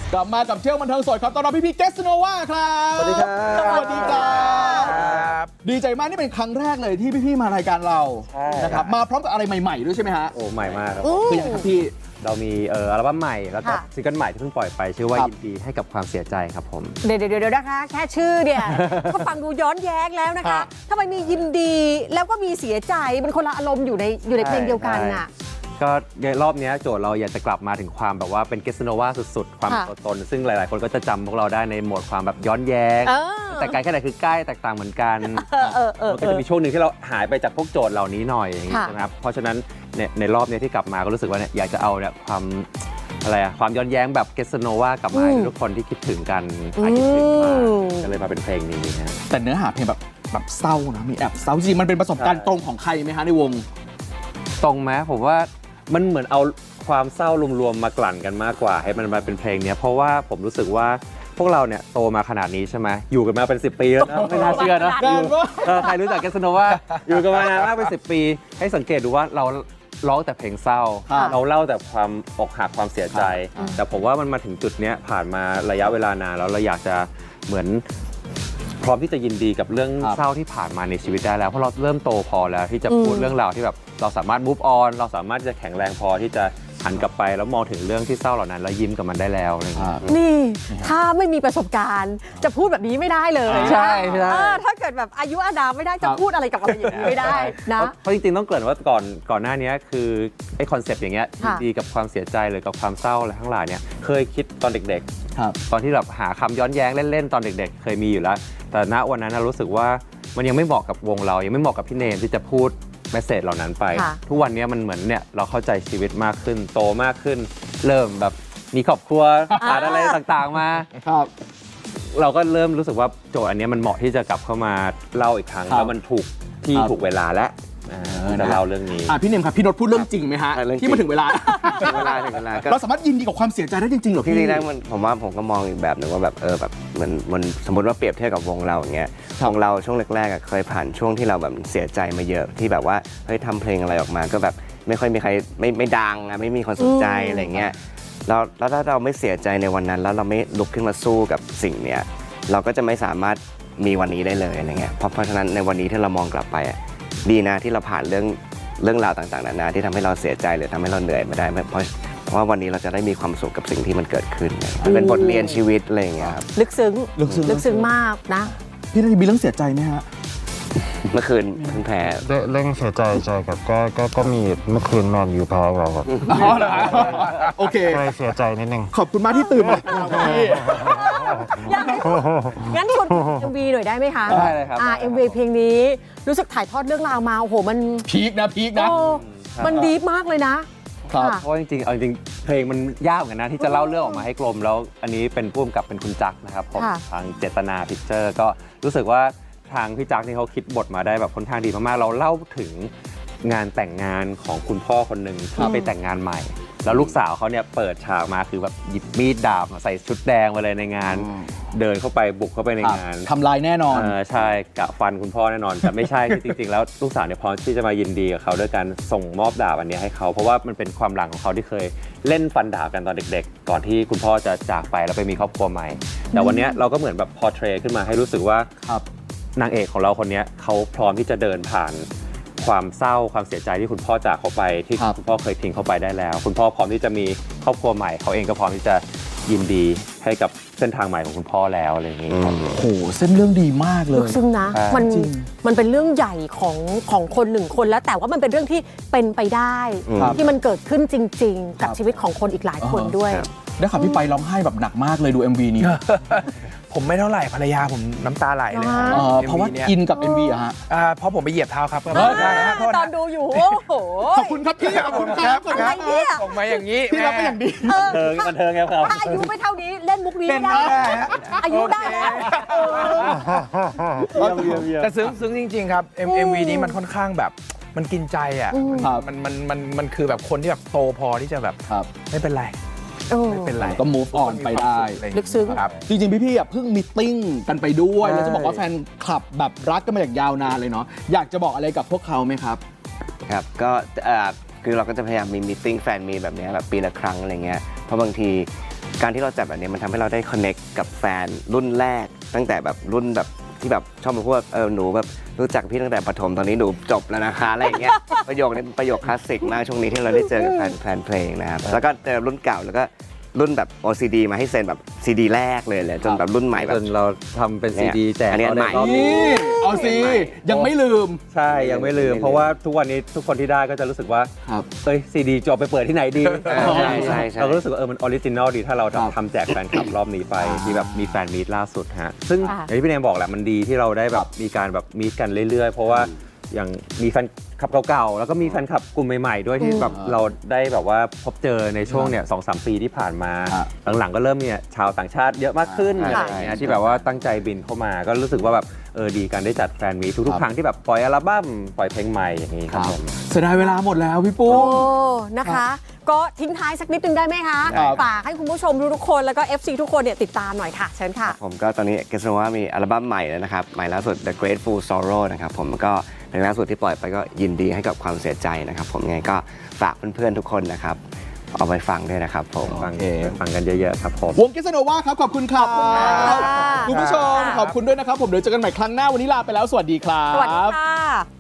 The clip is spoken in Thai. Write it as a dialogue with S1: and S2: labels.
S1: กลับมากับเที่ยวบันเทิงสดครับตอนรับพี่เกสโนวาครับ
S2: สวัสดีครับ
S1: สวัสดีครับดีใจมากนี่เป็นครั้งแรกเลยที่พี่มารายการเรานะครับมาพร้อมกับอะไรใหม่ๆด้วยใช่ไหมฮะ
S2: โอ้ใหม่มากครับ
S1: คืออย่างครับพี่
S2: เรามีอัลบั้มใหม่แล้วก็ซิงเกิลใหม่ที่เพิ่งปล่อยไปชื่อว่ายินดีให้กับความเสียใจครับผม
S3: เดี๋ยวนะคะแค่ชื่อเนี่ย ก็ฟังดูย้อนแย้งแล้วนะคะทำไมมียินดีแล้วก็มีเสียใจมันคนละอารมณ์อยู่ในเพลงเดียวกันน่ะ
S2: ก็รอบนี้โจทย์เราอยากจะกลับมาถึงความแบบว่าเป็นเกสโนวาสุดๆความตัวตนซึ่งหลายๆคนก็จะจำพวกเราได้ในโหมดความแบบย้อนแย้งแต่ไกลแค่ไหนคือใกล้แตกต่างเหมือนกันมันก็จะมีช่วงหนึ่งที่เราหายไปจากพวกโจทย์เหล่านี้หน่อยอย่างนี้นะครับเพราะฉะนั้นในรอบนี้ที่กลับมาก็รู้สึกว่าอยากจะเอาเนี่ยความความย้อนแย้งแบบเกสโนวากลับมาให้ทุกคนที่คิดถึงกันคิดถึงมาก็เลยมาเป็นเพลงนี้นะ
S1: แต่เนื้อหาเพลงแบบเศร้านะมีแอบเศร้าจริงมันเป็นประสบการณ์ตรงของใครไหมฮะในวง
S2: ตรงไหมผมว่ามันเหมือนเอาความเศร้ารวมๆมากลั่นกันมากกว่าให้มันมาเป็นเพลงนี้เพราะว่าผมรู้สึกว่าพวกเราเนี่ยโตมาขนาดนี้ใช่ไหมอยู่กันมาเป็น10 ปีแล้วนะไม่น่าเชื่อนะใครรู้จักเกสโนวาอยู่กันมานานมากเป็น10 ปีให้สังเกตดูว่าเราร้องแต่เพลงเศร้าเราเล่าแต่ความอกหักความเสียใจแต่ผมว่ามันมาถึงจุดนี้ผ่านมาระยะเวลานานแล้วเราอยากจะเหมือนพร้อมที่จะยินดีกับเรื่องเศร้าที่ผ่านมาในชีวิตได้แล้วเพราะเราเริ่มโตพอแล้วที่จะพูดเรื่องราวที่แบบเราสามารถ move on เราสามารถจะแข็งแรงพอที่จะหันกลับไปแล้วมองถึงเรื่องที่เศร้าเหล่านั้นแล้วยิ้มกับมันได้แล้วอะไรอย่างเงี้ย
S3: นี่ถ้าไม่มีประสบการณ์จะพูดแบบนี้ไม่ได้เลย
S2: ใช่
S3: ถ้าเกิดแบบอายุอานามไม่ได้จะพูดอะไรกับอะไรอย่างนี้ไม่ได้นะ
S2: เพราะจริงๆต้องเกริ่นว่าก่อนหน้านี้คือไอ้คอนเซปต์อย่างเงี้ยดีกับความเสียใจหรือกับความเศร้าอะไรทั้งหลายเนี่ยเคยคิดตอนเด็กๆตอนที่แบบหาคำย้อนแย้งเล่นๆตอนเด็กๆเคยมีอยู่แล้วแต่ณวันนั้นรู้สึกว่ามันยังไม่เหมาะกับวงเรายังไม่เหมาะกับพี่เนมที่จะพูดเมสเสจเหล่านั้นไปทุกวันนี้มันเหมือนเนี่ยเราเข้าใจชีวิตมากขึ้นโตมากขึ้นเริ่มแบบมีครอบครัวผ่านอะไรต่างๆมาเราก็เริ่มรู้สึกว่าโจทย์อันนี้มันเหมาะที่จะกลับเข้ามาเล่าอีกครั้งแล้วมันถูกที่ถูกเวลาและจะเล่าเรื่องนี้
S1: พี่เนมครับพี่นนท์พูดเรื่องจริงไหมฮะที่มาถึงเวลา
S4: ถึงเวลา
S1: เราสามารถยินดีกับความเสียใจได้จริงๆหรอพี่
S4: ได้ผมว่าผมก็มองอีกแบบหนึ่งว่าแบบแบบเหมือนสมมติว่าเปรียบเทียบกับวงเราอย่างเงี้ยวงเราช่วงแรกๆเคยผ่านช่วงที่เราแบบเสียใจมาเยอะที่แบบว่าเฮ้ยทำเพลงอะไรออกมาก็แบบไม่ค่อยมีใครไม่ดังไม่มีคนสนใจอะไรเงี้ยแล้วถ้าเราไม่เสียใจในวันนั้นแล้วเราไม่ลุกขึ้นมาสู้กับสิ่งเนี้ยเราก็จะไม่สามารถมีวันนี้ได้เลยอะไรเงี้ยเพราะฉะนั้นในวันนี้ที่เรามองกลับไปดีนะที่เราผ่านเรื่องราวต่างๆนานาที่ทำให้เราเสียใจหรือทำให้เราเหนื่อยมาได้เพราะว่าวันนี้เราจะได้มีความสุขกับสิ่งที่มันเกิดขึ้นมันเป็นบทเรียนชีวิตอะไรอย่างเงี้ยครับ
S3: ลึกซึ้งมากนะ
S1: พี่นาทีมีเรื่องเสียใจไหมฮะ
S4: เมื่อคืนเพิ่งแพ้
S5: เรื่องเสียใจใช่ครับก็มีเมื่อคืนแมนยูแพ้เราครับ
S1: โอเค
S5: เสียใจนิดนึง
S1: ขอบคุณมากที่ตื่นมา
S3: งั้นชวน MV หน่อยได้ไหมคะ
S2: ได้เลยครับ
S3: MV เพลงนี้รู้สึกถ่ายทอดเรื่องราวมาโอ้โหมัน
S1: พีคนะ
S3: มันดีมากเลยนะ
S2: เพราะจริงๆเพลงมันยากเหมือนกันนะที่จะเล่าเรื่องออกมาให้กลมแล้วอันนี้เป็นผู้กำกับเป็นคุณจักรนะครับผมทางเจตนาพิกเจอร์ก็รู้สึกว่าทางพี่จักรนี่เขาคิดบทมาได้แบบค่อนข้างดีมากๆเราเล่าถึงงานแต่งงานของคุณพ่อคนหนึ่งที่ไปแต่งงานใหม่แล้วลูกสาวเขาเนี่ยเปิดฉากมาคือแบบหยิบมีดดาบใส่ชุดแดงมาเลยในงานเดินเข้าไปบุกเข้าไปในงาน
S1: ทำลายแน่นอน
S2: ใช่กะฟันคุณพ่อแน่นอนแต่ไม่ใช่จริงๆแล้วลูกสาวเนี่ยพร้อมที่จะมายินดีกับเขาด้วยการส่งมอบดาบอันนี้ให้เขาเพราะว่ามันเป็นความหลังของเขาที่เคยเล่นฟันดาบกันตอนเด็กๆก่อนที่คุณพ่อจะจากไปแล้วไปมีครอบครัวใหม่แต่วันนี้เราก็เหมือนแบบพอร์เทรตขึ้นมาให้รู้สึกว่านางเอกของเราคนนี้เขาพร้อมที่จะเดินผ่านความเศร้าความเสียใจที่คุณพ่อจากเขาไปที่คุณพ่อเคยทิ้งเขาไปได้แล้วคุณพ่อพร้อมที่จะมีครอบครัวใหม่เขาเองก็พร้อมที่จะยินดีให้กับเส้นทางใหม่ของคุณพ่อแล้วอะไรอย่างนี้
S1: โอ้โหเส้นเรื่องดีมากเลย
S3: ซึ่งนะมันเป็นเรื่องใหญ่ของคนหนึ่งคนแล้วแต่ว่ามันเป็นเรื่องที่เป็นไปได้ที่มันเกิดขึ้นจริงๆกับชีวิตของคนอีกหลายคนด้วย
S1: ได้ข่าวพี่ไปร้องไห้แบบหนักมากเลยดู MV นี้
S6: ผมไม่เท่าไหร่ภรรยาผมน้ำตาไหลเลย
S1: เพราะว่าอินกับ MV อะฮะ
S6: เพราะผมไปเหยียบเท้าครับ
S3: ตอนดูอยู่โอ้โห
S1: ขอบคุณครับพี่ขอบคุณครับ
S3: อะไรเนี่ย
S6: ส่งมาอย่างนี้
S1: พี่รับไปอย่างดี
S2: บันเทิงครับ
S3: ถ้าอายุไม่เท่านี้เล่นมุกนี้ไม่ได้อายุได้แล้ว
S6: แต่ซึ้งจริงๆครับ MV นี้มันค่อนข้างแบบมันกินใจอ่ะมันคือแบบคนที่แบบโตพอที่จะแบบไม่เป็นไรไม่เป็นไร
S1: ก็ move on ไปได้
S3: ลึกซึ้ง
S1: จริงๆพี่ๆเพิ่งมีตติ้งกันไปด้วยแล้วจะบอกว่าแฟนคลับแบบรักกันมาอย่างยาวนานเลยเนาะอยากจะบอกอะไรกับพวกเขาไหมครับ
S4: ครับก็คือเราก็จะพยายามมีมีตติ้งแฟนมีแบบนี้แบบปีละครั้งอะไรเงี้ยเพราะบางทีการที่เราจัดแบบนี้มันทำให้เราได้คอนเน็กกับแฟนรุ่นแรกตั้งแต่แบบรุ่นแบบที่แบบชอบมาพูดว่าหนูแบบรู้จักพี่ตั้งแต่ประถมตอนนี้หนูจบแล้วนะคะอะไรอย่างเงี้ย ประโยคนี้เป็นประโยคคลาสสิกมากช่วงนี้ที่เราได้เจอกับแฟนเพลงนะครับแล้วก็เจอรุ่นเก่าแล้วก็รุ่นแบบ OCD มาให้เซ็นแบบ CD แรกเลยจนแบบรุ่นใหม่แบบ
S2: จนเราทำเป็นซีดีแจก
S4: อันนี้
S2: เขา
S4: ให
S2: ใน
S4: ม่
S2: รอบ
S1: นี่เอาสิยังไม่ลืม
S2: ใช่ยังไม่ลืม เพราะว่าทุกวันนี้ทุกคนที่ได้ก็จะรู้สึกว่า
S1: ครับ
S2: เอ้ยซีดีจะเอาไปเปิดที่ไหนดี
S4: ใช่ใช่ใช่
S2: เราก็รู้สึกว่ามันออริจินอลดีถ้าเรา
S1: ครับ
S2: ทำแจกแฟนคลับรอบนี้ไปที่แบบมีแฟนมีตล่าสุดฮะซึ่ง
S3: ค่ะ
S2: อย่างที่พี่เนมบอกแหละมันดีที่เราได้แบบมีการแบบมีตกันเรื่อยๆ เพราะว่าอย่างมีแฟนคลับเก่าๆแล้วก็มีแฟนคลับกลุ่มใหม่ๆด้วยที่แบบเราได้แบบว่าพบเจอในช่วงเนี่ย2-3 ปีที่ผ่านมา
S1: ครับ
S2: หลังๆก็เริ่มมีชาวต่างชาติเยอะมากขึ้นอะไรอย่างเงี้ยที่แบบว่าตั้งใจบินเข้ามาก็รู้สึกว่าแบบดีการได้จัดแฟนมีตทุกๆครั้งที่แบบปล่อยอัลบั้มปล่อยเพลงใหม่อย่างนี้ครับผม
S1: เสียดายเวลาหมดแล้วพี่ปุ้
S3: โอ้
S1: ม
S3: นะคะ ก็ทิ้งท้ายสักนิดนึงได้ไหมคะ
S1: ครับ
S3: ฝากให้คุณผู้ชมทุกๆคนแล้วก็ FC ทุกคนเนี่ยติดตามหน่อยค่ะ เชิญค่ะ
S4: ผมก็ตอนนี้เกสโนว่ามีอัลบั้มใหม่แล้วนะครับใหม่ล่าสุด The Grateful Sorrow นะครับผมก็เพลงล่าสุดที่ปล่อยไปก็ยินดีให้กับความเสียใจนะครับผมยังไงก็ฝากเพื่อนๆทุกคนนะครับเอาไปฟังด้วยนะครับผม
S2: ฟัง
S1: โอเค
S2: ฟังกันเยอะๆครับผม
S1: วงเกสโนวาครับขอบคุณครับ
S3: ค่ะ
S1: คุณผู้ชมขอบคุณด้วยนะครับผมเดี๋ยวเจอกันใหม่ครั้งหน้าวันนี้ลาไปแล้วสวัสดีครับ
S3: สวัสดีค่ะ